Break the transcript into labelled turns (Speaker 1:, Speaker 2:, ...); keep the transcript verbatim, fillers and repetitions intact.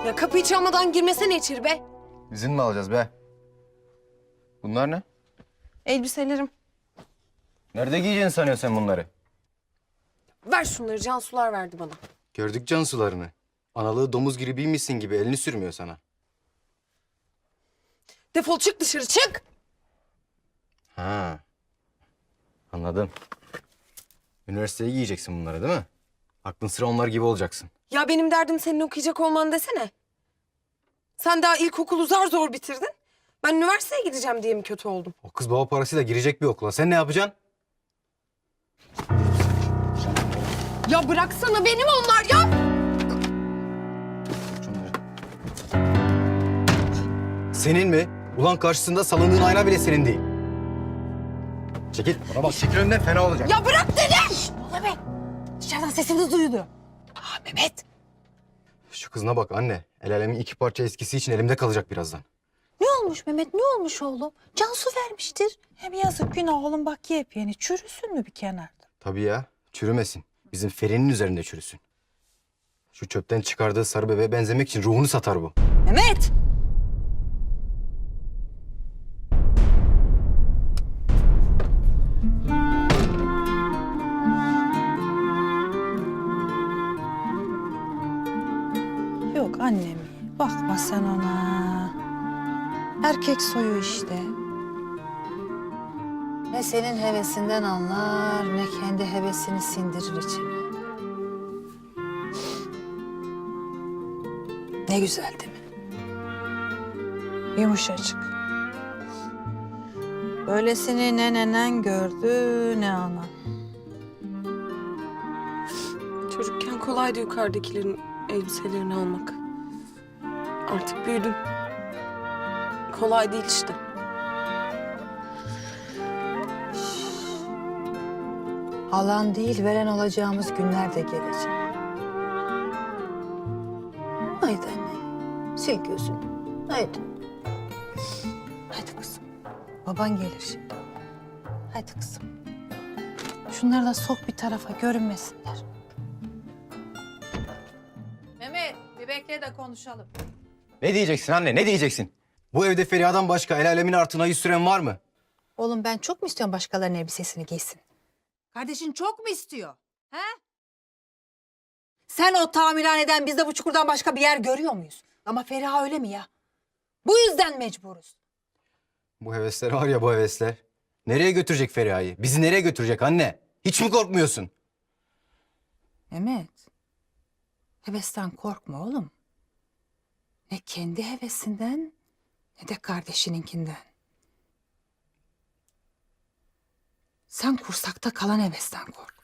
Speaker 1: Ya kapıyı çalmadan girmesene içeri be.
Speaker 2: İzin mi alacağız be? Bunlar ne?
Speaker 1: Elbiselerim.
Speaker 2: Nerede giyeceksin sanıyorsun sen bunları?
Speaker 1: Ver şunları, Cansular verdi bana.
Speaker 2: Gördük Cansularını. Analığı domuz gribiymişsin gibi elini sürmüyor sana.
Speaker 1: Defol çık dışarı, çık!
Speaker 2: Ha. Anladım. Üniversiteye giyeceksin bunları değil mi? Aklın sıra onlar gibi olacaksın.
Speaker 1: Ya benim derdim senin okuyacak olman desene. Sen daha ilkokulu zar zor bitirdin. Ben üniversiteye gideceğim diye mi kötü oldum?
Speaker 2: O kız baba parasıyla girecek bir okula. Sen ne yapacaksın?
Speaker 1: Ya bıraksana, benim onlar ya!
Speaker 2: Senin mi? Ulan karşısında salındığın ayna bile senin değil. Çekil. Bana bak, çekil önünden, fena olacak.
Speaker 1: Ya bırak dedim! Ne oluyor be? Dışarıdan sesiniz duyuluyor. Aa Mehmet.
Speaker 2: Şu kızına bak anne. El alemin iki parça eskisi için elimde kalacak birazdan.
Speaker 3: Ne olmuş Mehmet, ne olmuş oğlum? Cansu vermiştir. Hem yazık günah oğlum, bak yepyeni. Çürüsün mü bir kenarda?
Speaker 2: Tabii ya, çürümesin. Bizim Feri'nin üzerinde çürüsün. Şu çöpten çıkardığı sarı bebeğe benzemek için ruhunu satar bu.
Speaker 3: Mehmet! Yok annem, bakma sen ona. Erkek soyu işte. Ne senin hevesinden anlar, ne kendi hevesini sindirir içine. Ne güzel değil mi? Yumuşacık. Böylesini ne nenen gördü, ne anan.
Speaker 1: Çocukken kolaydı yukarıdakilerin elbiselerini almak. Artık büyüdüm. Kolay değil işte.
Speaker 3: Alan değil, veren olacağımız günler de gelecek. Haydi anne, sil gözünü. Haydi. Haydi kızım. Baban gelir şimdi. Haydi kızım. Şunları da sok bir tarafa, görünmesinler. Mehmet, bir bekle de konuşalım.
Speaker 2: Ne diyeceksin anne, ne diyeceksin? Bu evde Feriha'dan başka el alemin artına yüz süren var mı?
Speaker 3: Oğlum ben çok mu istiyorum başkalarının elbisesini giysin? Kardeşin çok mu istiyor? He? Sen o tamirhaneden, biz de bu çukurdan başka bir yer görüyor muyuz? Ama Feriha öyle mi ya? Bu yüzden mecburuz.
Speaker 2: Bu hevesler var ya, bu hevesler. Nereye götürecek Feriha'yı? Bizi nereye götürecek anne? Hiç mi korkmuyorsun?
Speaker 3: Mehmet, hevesten korkma oğlum. Ne kendi hevesinden ne de kardeşininkinden. Sen kursakta kalan hevesten kork.